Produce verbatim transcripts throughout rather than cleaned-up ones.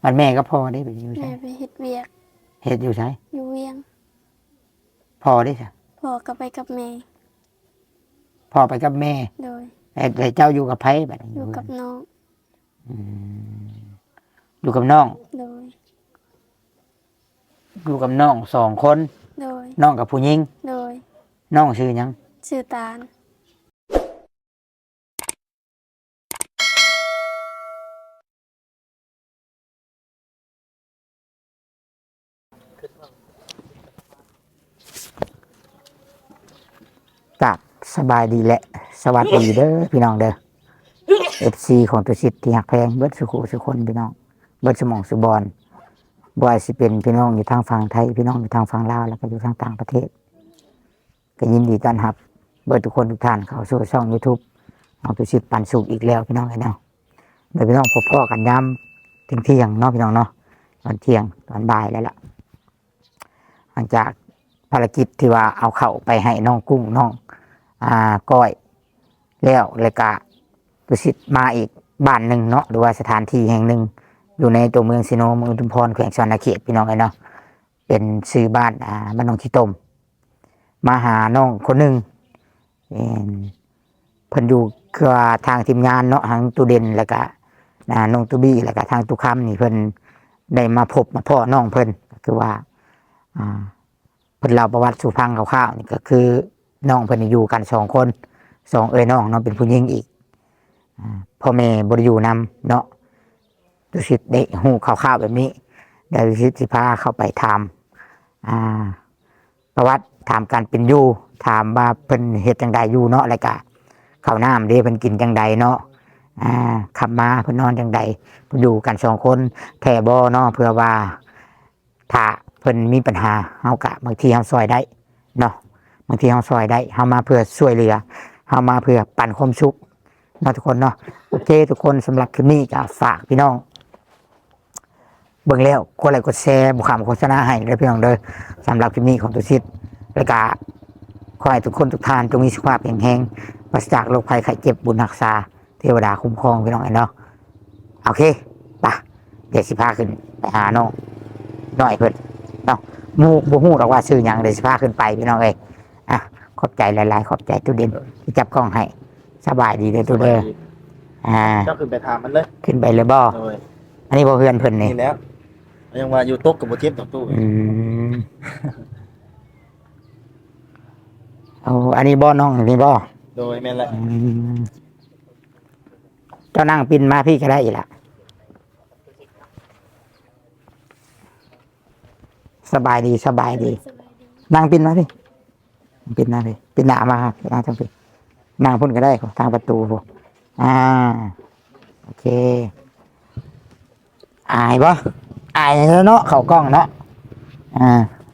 มันแม่ก็พ่อได้ไปอยู่ใช่แม่ไปเฮ็ดเวียกเฮ็ดอยู่ใช่อยู่เวียงพ่อได้ใช่พ่อก็ไปกับแม่พ่อไปกับแม่โดยแต่เจ้าอยู่กับไผบัดนี้อยู่กับน้องอืมอยู่กับน้องโดยอยู่กับน้องสองคนโดยน้องกับผู้หญิงโดยน้องชื่อหยังชื่อตาลกับสบายดีแหละสวัสดีเด้อพี่น้องเด้อ เอฟ ซี ของตัวชิดที่หักแพงเบิดสุขุสุคนพี่น้องเบิดสมองสุบอลบ่ว่าสิเป็นพี่น้องอยู่ทางฝั่งไทยพี่น้องอยู่ทางฝั่งลาวแล้วก็อยู่ทางต่างประเทศก็ยินดีต้อนรับเบิดทุกคนทุกท่านเข้าสู่ช่อง YouTube ของตัวชิดปันสุขอีกแล้วพี่น้องเอ้ยเนาะโดยพี่น้องพบพ่อกันย้ำถึงเที่ยงเนาะพี่น้องเนาะตอนเที่ยงตอนบ่ายแล้วล่ะหลังจากภารกิจที่ว่าเอาเข้าไปให้น้องกุ้งน้องอ่าก้อยแล้วเลยกะตุสิตมาอีกบ้านหนึ่งเนาะหรือว่าสถานที่แห่งหนึ่งอยู่ในตัวเมืองสิโนเมืองอุทุมพรแขวงสวรรณเขตพี่น้องไอ้เนาะเป็นชื่อบ้านอ่าบ้านน้องขี้ตมมาหาน้องคนหนึ่งเพิ่นอยู่คือว่าทางทีมงานเนาะทางตูเด่นแล้วก็น้องตูบี้แล้วก็ทางตุคำนี่เพิ่นได้มาพบมาพ่อน้องเพิ่นก็คือว่าอ่าเพิ่นเล่าประวัติสู่ฟังคร่าวๆนี่ก็คือน้องเพิ่นอยู่กันสองคนสองเอ้ยน้องเนาะเป็นผู้หญิงอีกพ่อแม่บริยูนำเนาะดุสิตได้หูข่าวๆแบบนี้เดี๋ยวดุสิตสิพาเข้าไปถามประวัติถามการเป็นอยู่ถามว่าเพิ่นเฮ็ดจังใดอยู่เนาะอะไรกะข้าวน้ำเด้เพิ่นกินจังใดเนาะอ่าขับมาเพิ่นนอนจังใดเพิ่นอยู่กันสองคนแท่บ่เนาะเพื่อว่าถ้าเพิ่นมีปัญหาเฮากะบางทีเฮาซอยได้เนาะบางทีเฮาซอยได้เฮามาเพื่อช่วยเหลือเฮามาเพื่อปั่นความสุขเนาะทุกคนเนาะโอเคทุกคนสำหรับคลิปนี้ก็ฝากพี่น้องเบิ่งแล้วกดไลค์กดแชร์บุคคลโฆษณาให้เลยพี่น้องเด้อสำหรับคลิปนี้ของตุชิตแล้วก็ขอให้ทุกคนทุกท่านจงมีสุขภาพแข็งแรงปราศจากโรคภัยไข้เจ็บบุญรักษาเทวดาคุ้มครองพี่น้องเนาะโอเคป่ะเดี๋ยวสิพาขึ้นไปหาน้องหน่อยเพิ่นเนาะมูบ่ฮู้หรอกว่าชื่อหยังเดี๋ยวสิพาขึ้นไปพี่น้องเอ้ยอ่ะขอบใจหลายๆขอบใจตู้เด่นที่จับกล้องให้สบายดีเลยตู้เด้ออ่าเจ้าขึ้นไปถามมันเลยขึ้นไปเลยบ่อันนี้บ่เพื่อนเพิ่นนี่นี่แล้วยังว่าอยู่โต๊ะกับบ่เจ็บต่อตู้อืมเอาอันนี้บ่น้องนี่บ่โดยแม่นแหละเจ้านั่งปินมาพี่ก็ได้อีกละสบายดีสบายดีนั่งปินมาพี่ปินมาพี่ปินหน้ามาครับนั่งทางพี่นั่งพุ่นก็ได้ทางประตูพวกอ่าโอเคอายบ่อายแล้วเนาะเข้ากล้องเนาะอ่า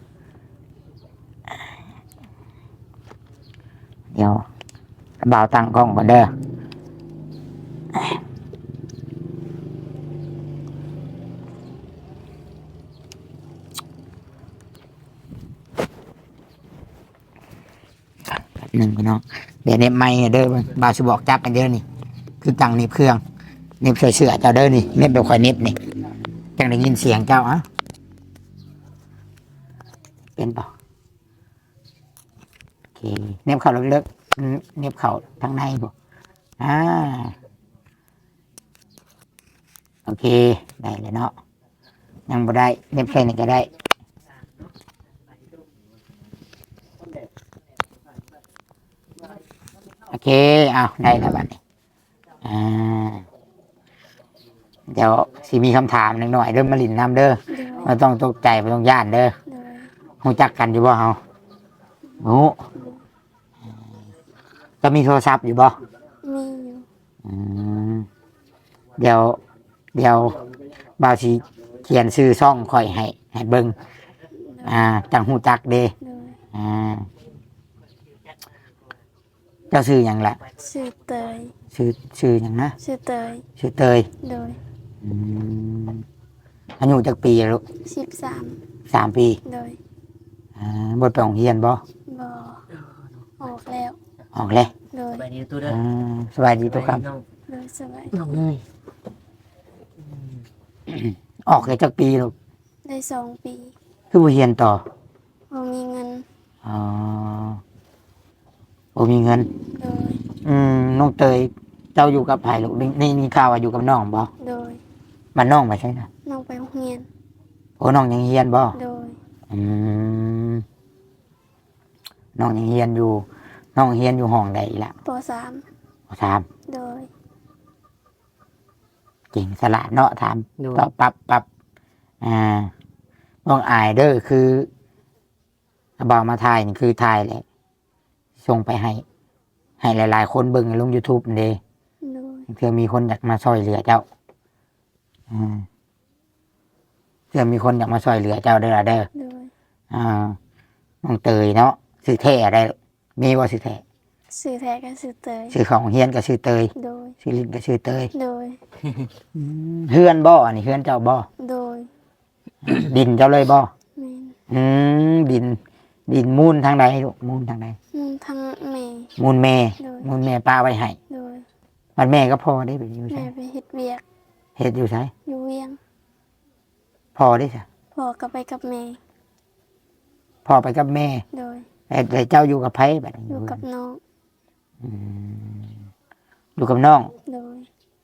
เดี๋ยวบ่าวตั้งกล้องก่อนเด้อหนึ่งพี่น้องเดี๋ยวเน็บไม้เด้อบ่าวสิบอกจับกันเด้อนี่คือตั้งเน็บเครื่องเน็บเสื้อเจ้าเด้อนี่เน็บแบบค่อยเน็บนี่จังได้ยินเสียงเจ้าอ่ะเป็นป่ะโอเคเน็บเข่าเลิกๆเน็บเข่าทางในบ่อ่าโอเคได้เลยเนาะยังบ่ได้เน็บแค่นี้ก็ได้โอเคเอาได้แล้วบัดนี้อ่าเดี๋ยวสิมีคำถามหนึ่งหน่อยเริ่มมาลินน้ำเด้อเราต้องตกใจไม่ต้องย่านเด้อรู้จักกันอยู่บ่เฮาโอ้จะมีโทรศัพท์อยู่บ่มีอยู่อืมเดี๋ยวเดี๋ยวบ่าวสิเขียนชื่อช่องค่อยให้ให้เบิ่งอ่าจังฮู้จักเด้อ่าเจ้าชื่อหยังล่ะชื่อเตยชื่อชื่อหยังนะชื่อเตยชื่อเตยโดยอืมอายุจักปีลูกสิบสามสามปีโดยอ่าบ่ไปโรงเรียนบ่บ่ออกแล้วออกแล้วโดยสบายดีตู้เด้อสบายดีทุกครับโดยสบายน้องเลยออกได้จักปีลูกได้สองปีคือบ่เรียนต่อบ่มีเงินอ๋อบ่มีเงินโดยอืมน้องเตยเจ้าอยู่กับไผลูกนี่นี่นี่ข่าวว่าอยู่กับน้องบ่โดยบ้านน้องไปใช่น่ะน้องไปโรงเรียนโอ้น้องยังเรียนบ่โดยอืมน้องยังเรียนอยู่ น้องเรียนอยู่ห้องใดล่ะปสามถามโดยเก่งสละเนาะถามโดยตอบปับปับอ่าน้องอายเด้อคือบ่าวมาถ่ายนี่คือถ่ายแหละส่งไปให้ ให้หลาย ๆ คนเบิ่งลง YouTube นี่เด้โดยเพื่อมีคนอยากมาช่วยเหลือเจ้าอืมเพื่อมีคนอยากมาช่วยเหลือเจ้าเด้อล่ะเด้อโดยอ่าน้องเตยเนาะชื่อแท้ได้ มีว่าชื่อแท้สื่อแท้ก็สื่อเตยชื่อของเฮียนก็ชื่อเตยโดยชื่อลิ้นก็ชื่อเตยโดยเฮือนบ่อันนี้เฮือนเจ้าบ่โดยดินเจ้าเลยบ่แม่นอืมดิน ดินมูลทางใดลูกมูลทางใดมุ่งทางแม่มูลแม่โดยมูลแม่ป้าไว้ให้โดยมันแม่ก็พอได้ไปอยู่แม่ใช่ไปเฮ็ดเวียกเฮ็ดอยู่ใช่อยู่เวียงพอได้ใช่พ่อก็ไปกับแม่พอไปกับแม่โดยแต่แต่เจ้าอยู่กับไผแบบนี้อยู่กับน้องอืมอยู่กับน้องโดย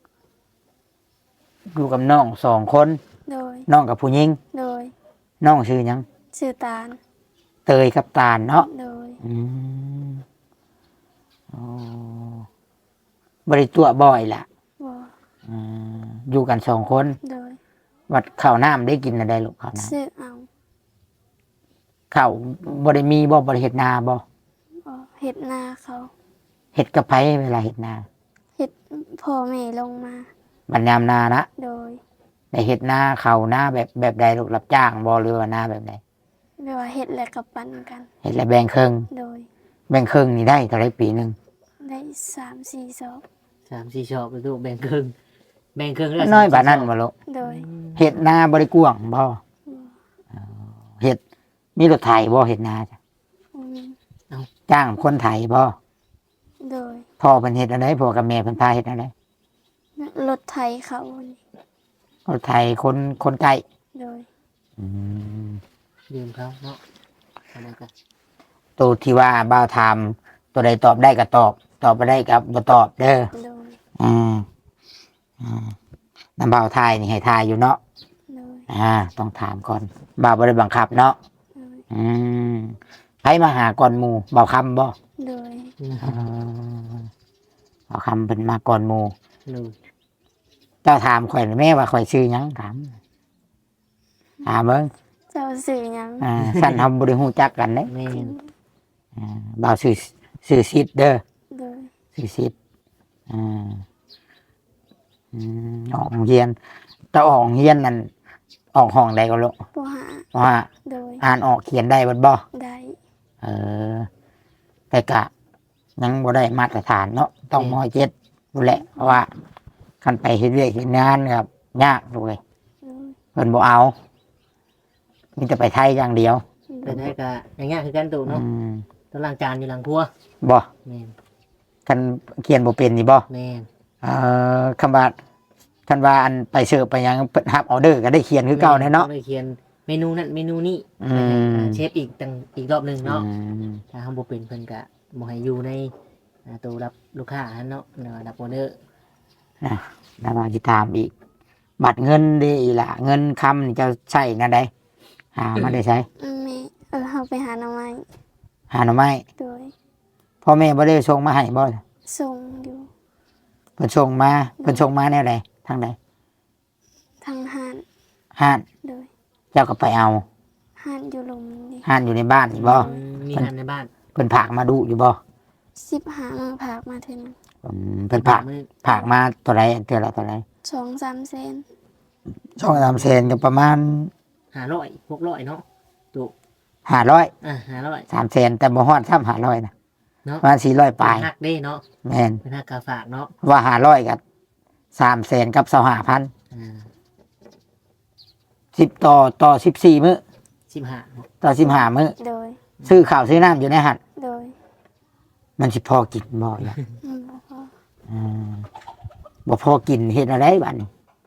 อยู่กับน้องสองคนโดยน้องกับผู้หญิงโดยน้องชื่อหยังชื่อตาลเตยกับตาลเนาะโดยอืมอ๋อบ่ได้ตัวบ่อยล่ะบ่อืมอยู่กันสองคนโดยวัดข้าวน้ำได้กินอะไรลูกข้าวน้ซื้อเอาำข้าวบ่ได้มีบ่บ่ได้เฮ็ดนาบ่บ่เฮ็ดนาเขาเฮ็ดกับไผเวลาเฮ็ดนาเฮ็ดพ่อแม่ลงมาบัดยามนานะโดยได้เฮ็ดนาข้าวนาแบบแบบใดลูกรับจ้างบ่หรือว่านาแบบใดไม่ว่าเฮ็ดแล้วก็ปันกันเฮ็ดแล้วแบ่งครึ่งโดยแบ่งครึ่งนี่ได้เท่าไรปีหนึงได้สามสี่ศอกสามสี่ชอบไปดูแบ่งครึ่งแบ่งครึ่งแล้วน้อยบาดนั้นบ่ลูกโดยเฮ็ดนาบ่ได้กว้างบ่เฮ็ดมีรถไถบ่เฮ็ดนาจ้ะอืมจ้างคนไถบ่โดยพ่อเพิ่นเฮ็ดอันใดพ่อกับแม่เพิ่นพาเฮ็ดอันใดรถไถเขานี่รถไถคนคนไกลโดยอืมยืมเขาเนาะอะไรกันตัวที่ว่าบ่าวถามตัวใดตอบได้ก็ตอบ ตอบบ่ได้ก็บ่ตอบเด้อโดยอืมอืมน้ำบ่าวทายนี่ให้ทายอยู่เนาะโดยอ่า ต้องถามก่อนบ่าวบ่ได้บังคับเนาะโดยอืมไผมาหาก่อนหมู่บ่าวคำบ่โดยอ่าบ่าวคำเพิ่นมาก่อนหมู่หนึ่งเจ้าถามข่อยแม่ว่าข่อยชื่อหยังถามถามเบิ่งเจ้าสื่อหยังอ่าสั่นเฮาบ่ได้ฮู้จักกันเด้แม่นอ่าบ่าวชื่อชื่อซิดเด้อโดยชื่อซิดอ่าอืมออกโรงเรียนแต่ออกโรงเรียนนั่นออกห้องใดก็ลูกปหาว่าโดยอ่านออกเขียนได้บ่บ่ได้เออ แต่กะยังบ่ได้มาตรฐานเนาะต้องมเจ็ดดูแหละเพราะว่าคันไปเฮ็ดเวียกเฮ็ดงานครับยากด้วยโดยเพิ่นบ่เอามีแต่ไปไทยอย่างเดียวโดเป็นยให้กะอย่างเงี้ยคือกันตู่อืเนาะมต้องล้างจานอยู่หลังครัวบ่แม่นคันเขียนบ่เป็นนี่บ่แม่นเอ่อคำว่าคันว่าอันไปเสิร์ฟไปหยังเพิ่นรับออเดอร์ก็ได้เขียนคือเก่าแน่เนาะต้องไปเขียนเมนูนั้นเมนูนี้อืมเชฟอีกตั้งอีกรอบหนึ่งเนาะอืมถ้าทำบ่เป็นเพิ่นกะบ่ให้อยู่ในอ่าตู้รับลูกค้าหั่นเนาะเนาะรับออเดอร์แล้วมาสิถามอีก บัตรเงินเด้อีหล่ะเงินคำนี่จะใช้นั่นใดหามาได้ใช้แม่เออเอาไปหาหน่อไม้หาหน่อไม้โดยพ่อแม่บ่ได้ส่งมาให้บ่ส่งอยู่เพิ่นส่งมาเพิ่นส่งมาแนวใดทางใดทางหานห้านโดยเจ้าก็ไปเอาหานอยู่ลมนี่ห้านอยู่ในบ้านนี่บ่อืมมีหันในบ้านเพิ่นผากมาดูอยู่บ่สิบหามือผากมาถึงอืมเพิ่นผากมือผากมาตัวใดเทื่อละตัวใดสองสามเซนสองสามแสนก็ประมาณห้าร้อยหกร้อยเนาะตู่ห้าร้อยอ่ะห้าร้อยสามแสนแต่บ่ฮอดซ้ำห้าร้อยนะเนาะประมาณสี่ร้อยปลายหักเด้เนาะแม่นเป็นหักกาฝากเนาะว่าห้าร้อยกับสามแสนกับสองห้าพันอ่าสิบต่อต่อสิบสี่มื้อสิบห้าต่อสิบห้ามื้อโดยซื้อข้าวซื้อน้ำอยู่ในหัดโดยมันสิพอกินบ่ล่ะอืมบ่พออืมบ่พอกินเฮ็ดอะไรบัดนี้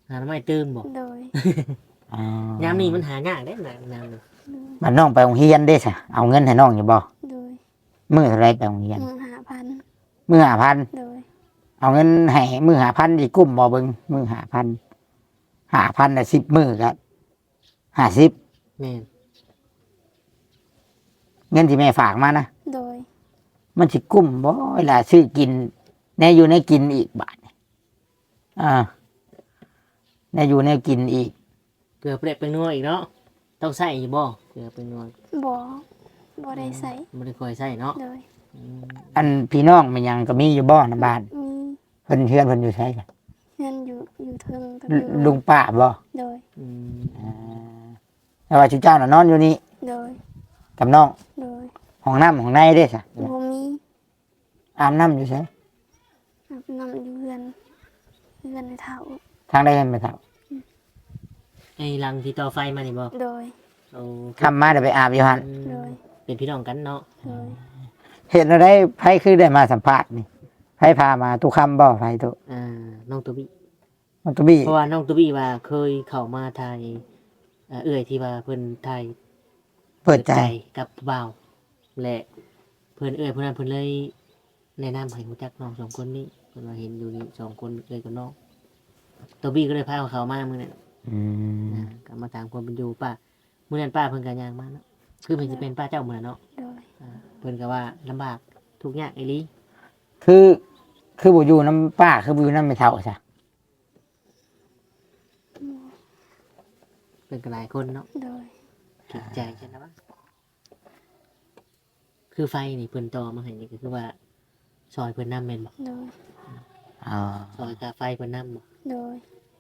หาหน่อไม้ตื่มบ่โดยอ๋อยามนี้มันหายากเด้น้ำน้ำนี่บัดน้องไปโรงเรียนเด้ซะเอาเงินให้น้องอยู่บ่โดยมื้อเท่าไรไปโรงเรียนมือหาพันมื้อห้าพันโดยเอาเงินให้มื้อห้าพันสิกุ้มบ่เบิ่งมื้อห้าพันห้าพันน่ะสิบมื้อก็ห้าสิบแม่นเงินที่แม่ฝากมานะโดยมันสิกุ้มบ่เวลาซื้อกินแน่อยู่ในกินอีกบาทนี่อ่าแน่อยู่ในกินอีกเกลือเปรี้ยเป็นนัวอีกเนาะต้องใส่อยู่บ่เกลือเป็นนัวบ่บ่ได้ใส่บ่ได้ค่อยใส่เนาะโดยอืมอันพี่น้องมันยังก็มีอยู่บ่ในบ้านมีเพิ่นเฮือนเพิ่นอยู่ไสกันเงินอยู่อยู่เทิงกับลุอยู่ลุงป้าบ่โดยอืมอ่าแต่ว่าชุเจ้าน่ะนอนอยู่นี่โดยกับน้องโดยห้องน้ำห้องในเด้ซะบ่มีอาบน้ำอยู่ไสอาบน้ำอยู่เฮือนเฮือนในเท้าทางใดกันไปเท่าไอ้รังที่ต่อไฟมานี่บ่โดยเอาคำมาเดี๋ยวไปอาบอยู่หั่นอืมโดยเป็นพี่น้องกันเนาะโดยเห็นอะไรไผคือได้มาสัมภาษณ์นี่ไผพามาตุคำบ่ไผตุอ่าน้องตัวบี้มันตุบี้เพราะว่าน้องตัวบี้ว่าเคยเข้ามาไทยเอ่อเอื้อยที่ว่าเพิ่นไทยเปิดใจกับผู้บ่าวและเพิ่นเอื้อยเพิ่นนั้นเพิ่นเลยแนะนำให้รู้จักน้องสองคนนี้เพิ่นว่าเห็นอยู่นี่สองคนเอื้อยกับน้องตัวบี้ก็เลยพาเขามามื้อนั้นอืมอ่าก็มาตามความเป็นอยู่ป้ามื้อนั้นป้าเพิ่นก็ย่างมาเนาะคือเพิ่นสิเป็นป้าเจ้ามื้อนั้นเนาะโดยอ่าเพิ่นก็ว่าลำบากทุกข์ยากอีหลีคือคือบ่อยู่น้ำป้าคือบ่อยู่น้ำไม่เท่าซะเป็นกันหลายคนเนาะโดยเก็บใจใช่ไหมวะคือไฟนี่เพิ่นต่อมาให้นี่ก็คือว่าซอยเพิ่นนำแม่นบ่โดยอ๋อซอยกาไฟเพิ่นนำบ่โดย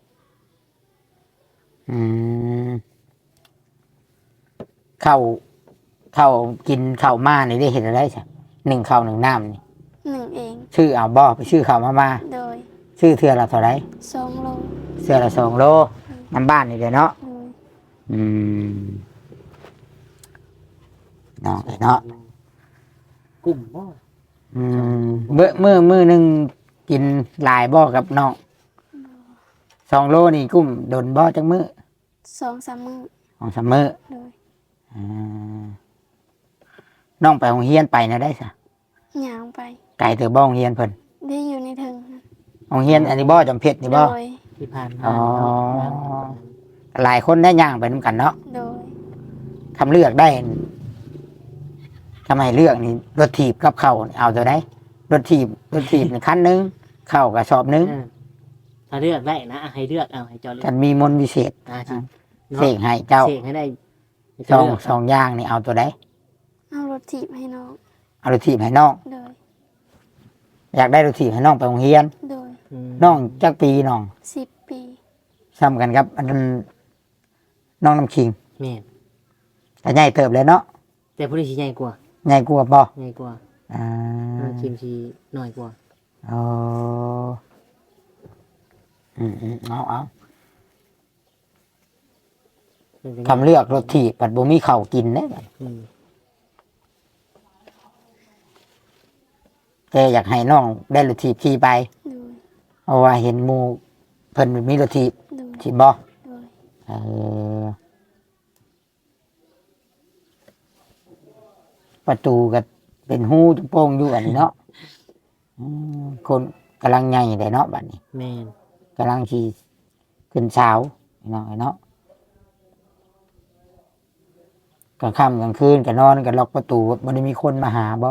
อืมข้าวข้าวกินข้าวมานี่ได้เห็นอะไรซะหนึ่งข้าวหนึ่งน้ำนี่หนึ่งเองชื่อเอาบ่ไปชื่อข้าวมามาโดยชื่อเทื่อละเท่าไหร่สองโลเทื่อละสองโลน้ำบ้านนี่เด้อเนาะโดยอืมเนาะเนาะกลุ่มบ่อืมเมื่อมื่อมือหนึ่งกินหลายบ่อกับน้องสองโลนี่กุ้มโดนบ่อจังมือสองสามมือของสามมือโดยอ่าน้องไปโรงเรียนไปนะได้สะย่างไปไก่เถอะบ่โรงเรียนเพิ่นได้อยู่ในเทิงนะโรงเรียนอันนี้บ่อจำเพชรนี่โดบ่ยที่ผ่านมาอ๋อเนาะหลายคนได้ย่างไปน้ำกันเนาะโดยทำเลือกได้ทำไมเลือกนี่รถถีบกับเข่าวนี่เอาตัวได้รถถีบรถถีบนี่คันหนึงเข่าวกับสอบหนึงเออถ้าเลือกได้นะให้เลือกเอาให้เจ้าเลือกกันมีมนต์วิเศษอ่าสิเสกให้เจ้าเสกให้ได้ให้สเจ้าองเลือกสองอย่างนี่เอาตัวได้เอารถถีบให้น้องเอารถถีบให้น้องโดยอยากได้รถถีบให้น้องไปโรงเรียนโดยมน้องจักปีน้องสิบปีซ้ำกันครับ อันนั้นน้องน้ำคิงแม่นแต่ใหญ่เติบเลยเนาะแต่ผู้นี้สิใหญ่กว่าใหญ่กว่าบ่ใหญ่กว่าอ่าน้องคิมสิน้อยกว่าอ๋ออืมอืมเอาเอาเพิ่นก็คำเลือกรถถีบปัดบ่มีข้าวกินเด้อืมแต่อยากให้น้องได้รถถีบขี่ไปโดยเพราะว่าเห็นหมู่เพิ่นมีรถถีบโดยถีบบ่โดยเออประตูก็เป็นหูจุโป่งอยู่อันนี้เนาะอืมคนกำลังใหญ่ได้เนาะบัดนี้แม่นกำลังขี่ขึ้นเช้าเนาะเนาะกลางค่ำกลางคืนก็นอนก็ล็อกประตูบ่ได้มีคนมาหาบ่บ่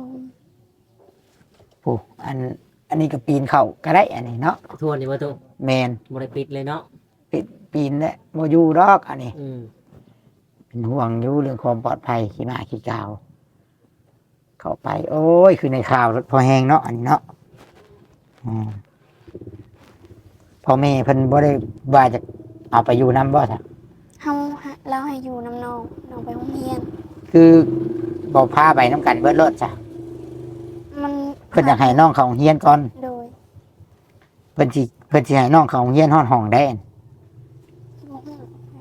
ผู้อัน อันนี้ก็ปีนเข้าก็ได้อันนี้เนาะทวนนี่บ่ตุแมนบ่ได้ปิดเลยเนาะปิดปีนเนี่ยบ่อยู่ดอกอันนี้อืมเป็นห่วงอยู่เรื่องความปลอดภัยขี้หมาขี้กาว เข้าไป โอ้ย คือในข่าวรถพอแหงเนาะอันนี้เนาะอืมพ่อแม่เพิ่นบ่ได้ว่าจะเอาไปอยู่นํบ่ซะเฮาหาเราให้อยู่น้ำน้องน้องไปโรงเรียนคือบ่พาไปนํกันเบิดรถจ้ะมันเพิ่นอยากให้น้องเขาโรงเรียนก่อนโดยเพิ่นสิเพิ่นสิให้น้องเขาโรงเรียนฮอดห้องได้อั่นบ่ฮู้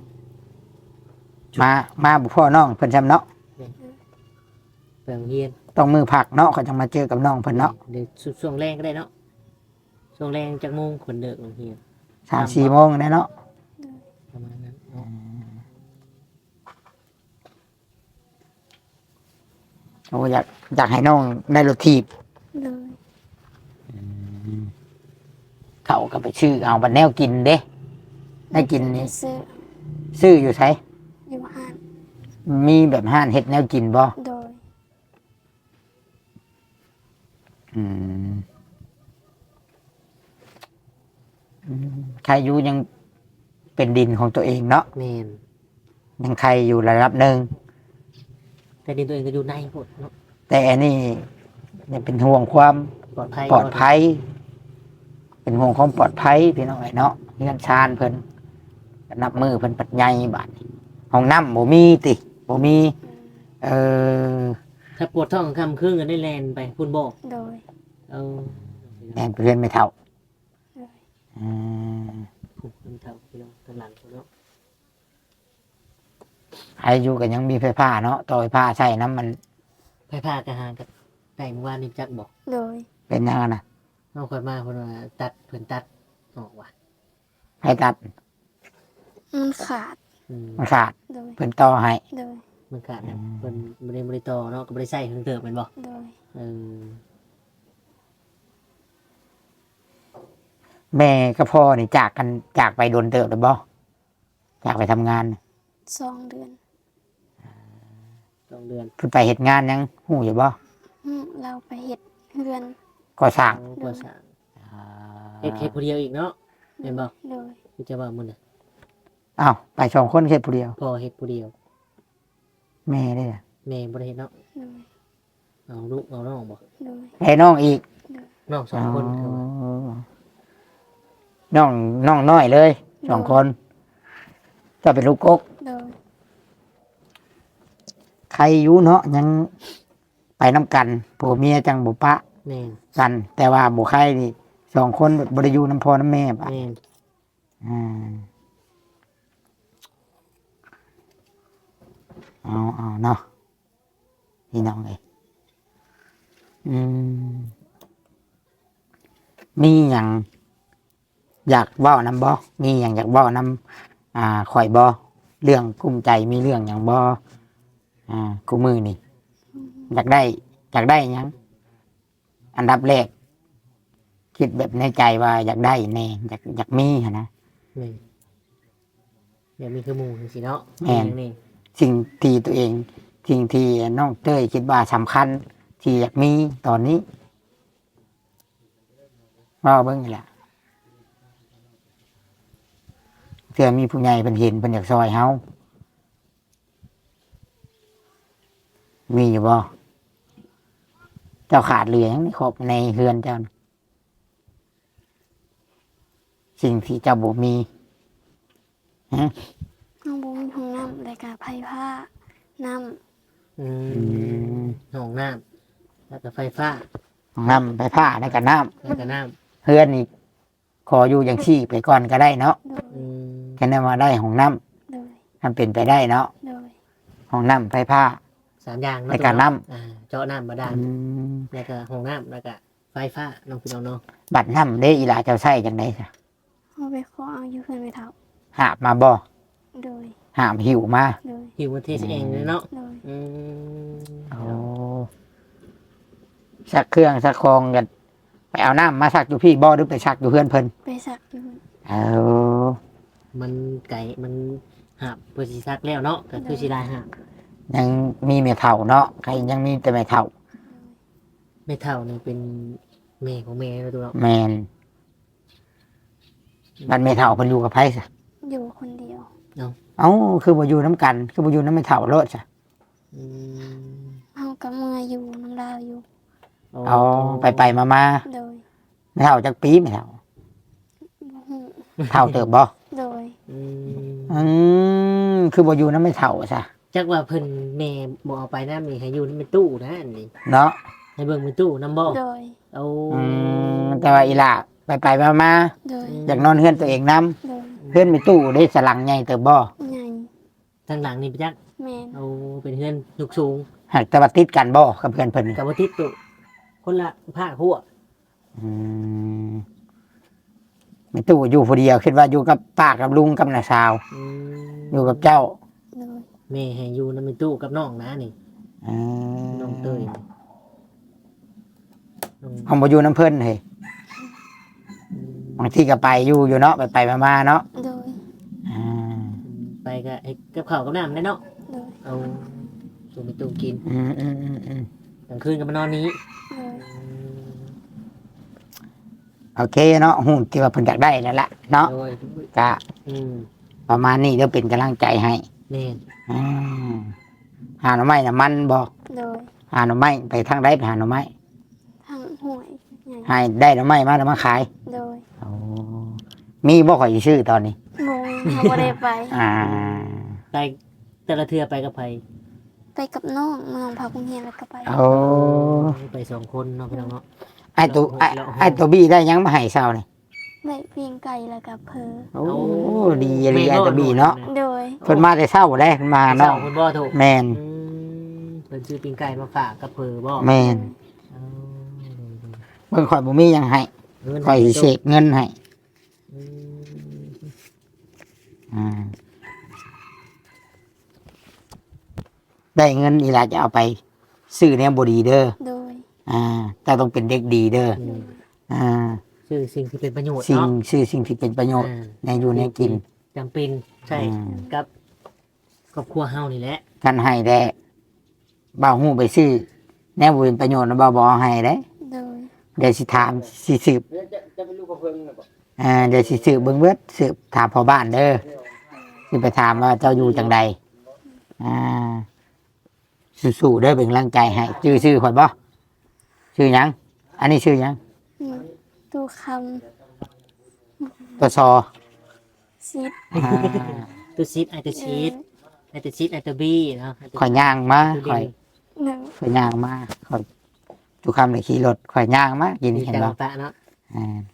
มามาบ่พ่อน้องเพิ่นซำเนาะไปโรงเรียนต้องมือผักเนาะเขาจะมาเจอกับน้องเพิ่นเนาะเดี๋ยวช่วงแรงก็ได้เนาะช่วงแรงจากโมงคนเดิกโรงเรียนสามสี่โมงแน่เนาะประมาณนั้นเนาะโอ้อยากอยากให้น้องได้รถถีบเลยเขาก็ไปชื่อเอาบันแนวกินเด้ได้กินนี่ซื้อซื้ออยู่ไสอยู่ห้านมีแบบห้านเฮ็ดแนวกินบ่โดยอืมอืมใครอยู่ยังเป็นดินของตัวเองเนาะแม่นยังใครอยู่ระดับหนึ่งแต่ดินตัวเองก็อยู่ในหมดเนาะแต่อันนี้เนี่ยเป็นห่วงความปลอดภัยปลอดภัย เป็นห่วงความปลอดภัยพี่น้องไอ้เนาะเงินชานเพิ่นนับมือเพิ่นปัดใหญ่บาดนี้ห้องน้ำบ่มีติบ่มี เออถ้าปวดท้องคำครึ่งก็ได้แลนไปพุ่นบ่โดยเอาแม่นเพื่อนไม่เท่าเลยอืมพุ่นมันเท่าพี่น้องทางหลังพุ่นเนาะใครอยู่กันยังมีไฟฟ้าเนาะต่อไฟฟ้าใช้น้ำมันไปพากระหางกับแต่เมื่อวานนี่จักบอกโดยเป็นยังไงนะเอาคนมาคนว่าตัดเพิ่นตัดออกว่ะให้ตัดมันขาดอืมมันขาดโดยเพิ่นต่อให้โดยมันขาดนะเพิ่นบ่ได้บ่ได้ต่อเนาะก็บ่ได้ใส่เครื่องเติมแม่นบ่โดยเออแม่กับพ่อนี่จากกันจากไปโดนเติบหรือบ่จากไปทำงานสองเดือนสองเดือนเพิ่นไปเฮ็ดงานยังหู้อยู่บ่อืมเราไปเห็ดเรือนก่อสร้างเอาก็สร้างเฮ็ดเฮ็ดผู้เดียวอีกเนาะแม่นบ่โดยคือจะว่ามื้อน่ะอ้าวไปสองคนเฮ็ดผู้เดียวพ่อเฮ็ดผู้เดียวแม่ได้ล่ะแม่บ่ได้เฮ็ดเนาะโดยเอาลูกเอาน้องบ่โดยให้น้องอีกน้องสองคนคือว่าอ๋อน้องน้องน้อยเลยสองคนจะเป็นลูกกกโดยใครอยู่เนาะยังไปน้ำกันผัวเมียจังบุปะแม่นกัน แต่ว่าบุใครนี่สองคนบริยูน้ำพอน้ำแม่ปะแม่นอ่าเอาเอาเนาะพี่น้องเลยอืมมีอย่างอยากเว้านำบ่มีอย่างอยากเว้านำอ่าข่อยบ่เรื่องกุ้มใจมีเรื่องอย่างบ่อ่ากูมือนี่ อยากได้ อยากได้หยัง อันดับแรก คิดแบบในใจว่าอยากได้แน่อยากอยากมีหั้นนะแม่นเดี๋ยวมีคือหมู่จังซี่เนาะแม่นนี่สิ่งที่ตัวเองสิ่งที่น้องเต้ยคิดว่าสำคัญ ที่อยากมีตอนนี้ว่าเบิ่งนี่แหละเพื่อมีผู้ใหญ่เป็นเห็นเป็นอยากซอยเฮามีอยู่บ่เจ้าขาดเหลือหยังในครอบในเฮือนเจ้าน่ะสิ่งที่เจ้าบ่มีฮะน้องบุ้มีห้องน้ำรายการไผ่ผ้าน้อือืมมห้องน้ำแล้วก็ไฟฟ้าน้ำไปผ้าในกับน้แล้วก็น้ำำเฮือนนี่ขออยู่อย่างชี่ไปก่อนก็ได้เนาะำโดยอืมแค่นั้นมาได้ของน้โดยำมันเป็นไปได้เนาะโดยของน้ำไฟผ้าสามอย่างเนาะในการน้ำอ่าเจาะน้ำบาดาลอืมแล้วก็ห้องน้ำแล้วก็ไฟฟ้าน้องพี่น้องเนาะบัดน้ำได้อีหลาเจ้าใส่จังไดจ้ะเอาไปขอเอาอยู่เพื่อนไปเท่าหาบมาบ่โดยหามหิวมาโดยหิวมาเทสเองเลยเนาะโดยอืมโอ้สักเครื่องสักคองกันไปเอาน้ำมาสักอยู่พี่บ่หรือไปสักอยู่เพื่อนเพิ่นไปสักอยู่เอามันไก่มันหับเพื่อสิซักแล้วเนาะก็คือสิได้หับยังมีเมียเฒ่าเนาะใครยังมีแต่แม่เฒ่าไม่เท่านี่เป็นแม่ของแม่แล้วตัวเนาะแมนบัดแม่เฒ่าเพิ่นอยู่กับไผซะอยู่คนเดียวเอ้าคือบ่อยู่น้ำกัน คือบ่อยู่น้ำแม่เฒ่าโลดจ้ะอืมเอากับเมื่ออยู่น้ำลาวอยู่เอาไปไปมามาโดยๆแม่เฒ่าจักปีแม่เฒ่าบ่ฮู้เฒ่าเติบบ่โดยอืมอืมคือบ่อยู่น้ำแม่เฒ่าซะจักว่าเพิ่นแม่บ่เอาไปน้ำนี่ให้อยู่ในเป็นตู้นะอันนี้เนาะให้เบิ่งเป็นตู้น้ำบ่โดยเอาอืมแต่ว่าอีหล่าไปไปมามาโดยอยากนอนเฮือนตัวเองนํโดยเฮือนมีตู้ได้สลังใหญ่เติบบ่ใหญ่ทางหลังนี่ไปจักแมนเอาเป็นเฮือนยกสูงหากแต่ว่าติดกันบ่กับเพื่อนเพิ่นนี่กับว่าติดตู้คนละผ้าหัวอืมไม่ตู้อยู่ผู้เดียวคิดว่าอยู่กับป้ากับลุงกับน้าสาวอืมอยู่กับเจ้าโดยแม่ให้อยู่นำในตู้กับน้องนะนี่อืมน้องเตยนี่น้องห้องบ่อยู่น้ำเพิ่นเฮ้ยอืมบางทีก็ไปอยู่อยู่เนาะไปไปๆมาๆเนาะโดยอ่าไปก็ให้กับข้าวกับน้ำได้เนาะโดยเอาส่งในตู้กินอืมอืมอืมอืมกลางคืนก็มานอนนี้โดยอืมโอเคเนาะหุ่นที่ว่าเพิ่นอยากได้นั่นแหละเนาะโดยก็อืมประมาณนี้เดี๋ยวเป็นกำลังใจให้แม่นอืมหาหน่อไม้น่ะมันบ่โดยหาหน่อไม้ไปทางใดไปหาหน่อไม้ทางห่วยใหญ่ให้ได้หน่อไม้มาแล้วมาขายโดยโอ้มีบ่ข่อยสิซื้อตอนนี้โมยเขาบ่ได้ไปอ่าไปแต่ละเทือไปกับไผไปกับน้องน้องพาคุณเฮียนแล้วก็ไปโอ้ไปสองคนเนาะพี่น้องเนาะไอ้ตัวไอ้ไอ้ตัวบี้ได้หยังมาให้เช้านี่ได้เพียงไก่แล้วก็เพอโอ้ดีเลยไอ้ตัวบี้เนาะโดยเพิ่นมาแต่เช้าได้เพิ่นมาเนาะเนาะคุณบ่ถูกแม่นอืมเพิ่นซื้อปิ้งไก่มาฝากกับเผอบ่แม่นเอาเพิ่นข่อยบ่มีหยังให้เงินข่อยสิเสกเงินให้อืมอ่าได้เงินอีหลาจะเอาไปซื้อแนวบ่ดีเด้อโดยอ่าแต่ต้องเป็นเด็กดีเด้ออืมอ่าซื้อสิ่งที่เป็นประโยชน์สิ่งเนาะซื้อสิ่งที่เป็นประโยชน์อ่าในอยู่ในกินจำเป็นใช่อืมกับครอบครัวเฮานี่แหละกันให้ได้บ่าวฮู้ไปซื้อแนวบ่เป็นประโยชน์นะบ่าวบ่เอาให้เด้โดยเดี๋ยวสิถามสิสืบจะเป็นลูกกระเพิ่งน่ะบ่อ่าเดี๋ยวสิสืบเบิ่งเบิดสืบถามพ่อบ้านเด้อสิไปถามว่าเจ้าอยู่จังใดอ่าสู้ๆเด้อเป็นกำลังใจให้ชื่อชื่อข่อยบ่ชื่อหยังอันนี้ชื่อหยังอืมตู้คตัวซอำซิดอ่าตัวซีดไอตัวชีดไอตัวชีดไอตัวบี้เนาะไอ้ตัวข่อยย่างมาตัวข่อยหนึ่งข่อยย่างมาข่อยทุกคำเลยขี่รถข่อยย่างมากินดีเห็นใจบ่ปะเนาะอ่า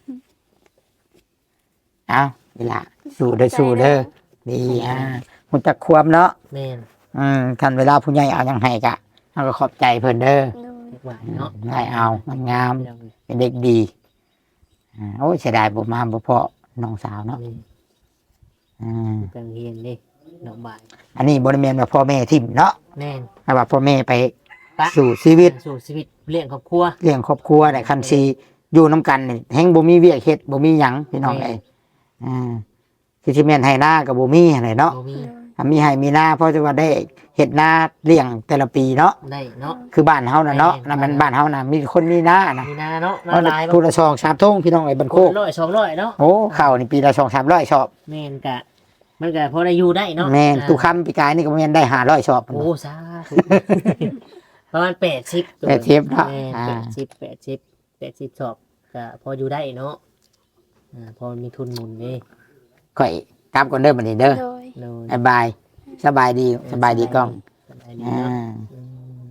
เอาเวลาสู้เด้อสู้เด้อดีอ่ามันจะควมเนาะแม่นอืมคันเวลาผู้ใหญ่เอายังให้กะเราก็ขอบใจเพิ่นเด้อโดยเรียกว่าเนาะได้เอามันงามพี่น้องเอ้ยเป็นเด็กดีอ่าโอ้ยเสียดายบ่มาบ่เพาะน้องสาวเนาะนี่อืมกลางเฮียนเด้ดอกบานอันนี้บ่ได้แม่นว่าพ่อแม่ทิ่มเนาะแม่นแต่ว่าพ่อแม่ไปปะสู่ชีวิตสู่ชีวิตเลี้ยงครอบครัวเลี้ยงครอบครัวได้คันสิอยู่นํกันนี่แฮงบ่มีเวียกเฮ็ดบ่มีหยังพี่น้องเอ้ยอ่าคือสิแม่นให้หน้าก็บ่มีหั่นแหละเนาะบ่มีโดยถ้ามีให้มีหน้าเพราะว่าได้เฮ็ดนาเลี้ยงแต่ละปีเนาะได้เนาะคือบ้านเฮาน่ะเนาะแม่นนั่นมันบ้านเฮาน่ะมีคนมีนานะมีนาเนาะเพนาราะลายพูละซองสามทงพี่น้องไอ้บันโคกร้อยสองร้อยเนาะโอ้ข้าวนี่ปีละสองสามร้อยชอบแม่นกะ มันกะพอได้อยู่ได้เนาะแม่นอ่าตุคำปีกายนี่ก็แม่นได้ห้าร้อยชอบโอ้สาธุ ประมาณแปดสิบแปดสิบเนาะแม่นอ่าแปดสิบแปดสิบแปดสิบสอบก็พออยู่ได้เนาะอ่าพอมีทุนหมุนนี่ข่อยกลับก่อนเด้อบัดนี้เด้อโดยโดยบ๊ายบายสบายดีสบายดีกล้องสบายดีอ่าเนาะอืม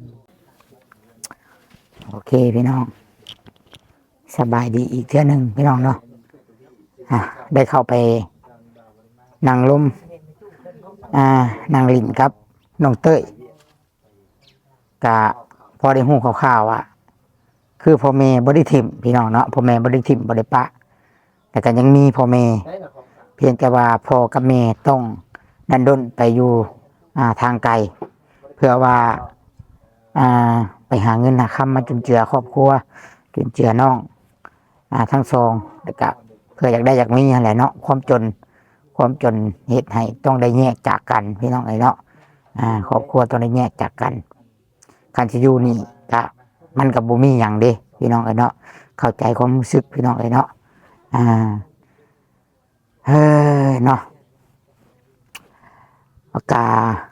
โอเคพี่น้อง สบายดีอีกเทื่อหนึงพี่น้องเนาะอ่ะได้เข้าไปนั่งลมอ่านั่งลิ้นครับน้องเต้ยกะพอได้ฮู้คร่าวๆว่า คือพ่อแม่บ่ได้ทิ่มพี่น้องเนาะพ่อแม่บ่ได้ทิ่มบ่ได้ปะ แต่ก็ยังมีพ่อแม่เพียงแต่ว่าพ่อกับแม่ต้องดันด้นไปอยู่อ่าทางไกล เพื่อว่าอ่าไปหาเงินหาคำมาจุนเจือครอบครัวจุนเจือน้องอ่าทั้งสองแล้วก็เพื่ออยากได้อยากมีอะไรเนาะความจนความจนเหตุให้ต้องได้แยกจากกันพี่น้องไอ้เนาะอ่าครอบครัวต้องได้แยกจากกันการจะอยู่นี่ก็มันกับบุมีอย่างเด้พี่น้องไอ้เนาะเข้าใจความรู้สึกพี่น้องไอ้เนาะอ่าเฮ้ยเนาะปากกา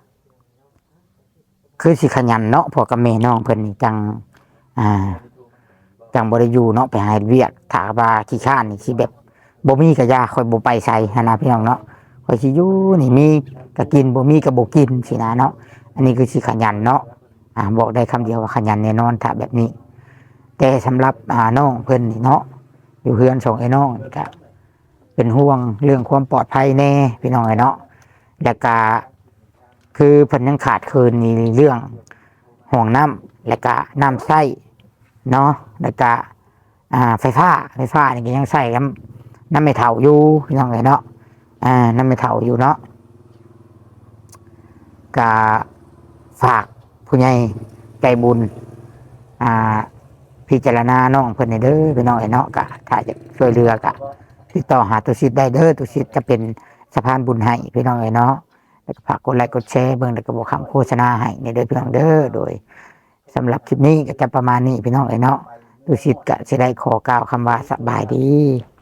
คือสิขยันเนาะพอกับแม่น้องเพิ่นนี่จังอ่าจังบ่ได้อยู่เนาะไปหาเฮ็ดเวียกถ้าว่าขี้ข้านนี่สิแบบบ่มีก็ยาค่อยบ่ไปใส่หันนะพี่น้องเนาะค่อยสิอยู่นี่มีก็กินบ่มีก็บ่กินสินะเนาะอันนี้คือสิขยันเนาะอ่าบอกได้คำเดียวว่าขยันแน่นอนถ้าแบบนี้ แต่สำหรับอ่าน้องเพิ่นนี่เนาะอยู่เฮือนสองไอ้น้องนี่ก็เป็นห่วงเรื่องความปลอดภัยแน่พี่น้องไอ้เนาะแล้วก็คือเพิ่นยังขาดเคินในเรื่องห่วงน้ำแล้วก็น้ำใช้เนาะแล้วก็อ่าไฟฟ้าไฟฟ้านี่ก็ยังใช้กันน้ำไม่เท่าอยู่พี่น้องเอ้ยเนาะอ่าน้ำไม่เท่าอยู่เนาะกะฝากผู้ใหญ่ใจบุญอ่าพิจารณาน้องเพิ่นให้เด้อพี่น้องเอ้ยเนาะกะถ้าจะช่วยเหลือกะติดต่อหาตุสิทธิ์ได้เด้อตุสิทธิ์จะเป็นสะพานบุญให้พี่น้องเอ้ยเนาะแล้วก็ฝากกดไลค์กดแชร์เบิ่งแล้วก็บอกคำโฆษณาให้ในเด้อพี่น้องเด้อโดยสำหรับคลิปนี้ก็จะประมาณนี้พี่น้องเอ้ยเนาะตุสิทธิ์ก็สิได้ขอกล่าวคำว่าสบายดี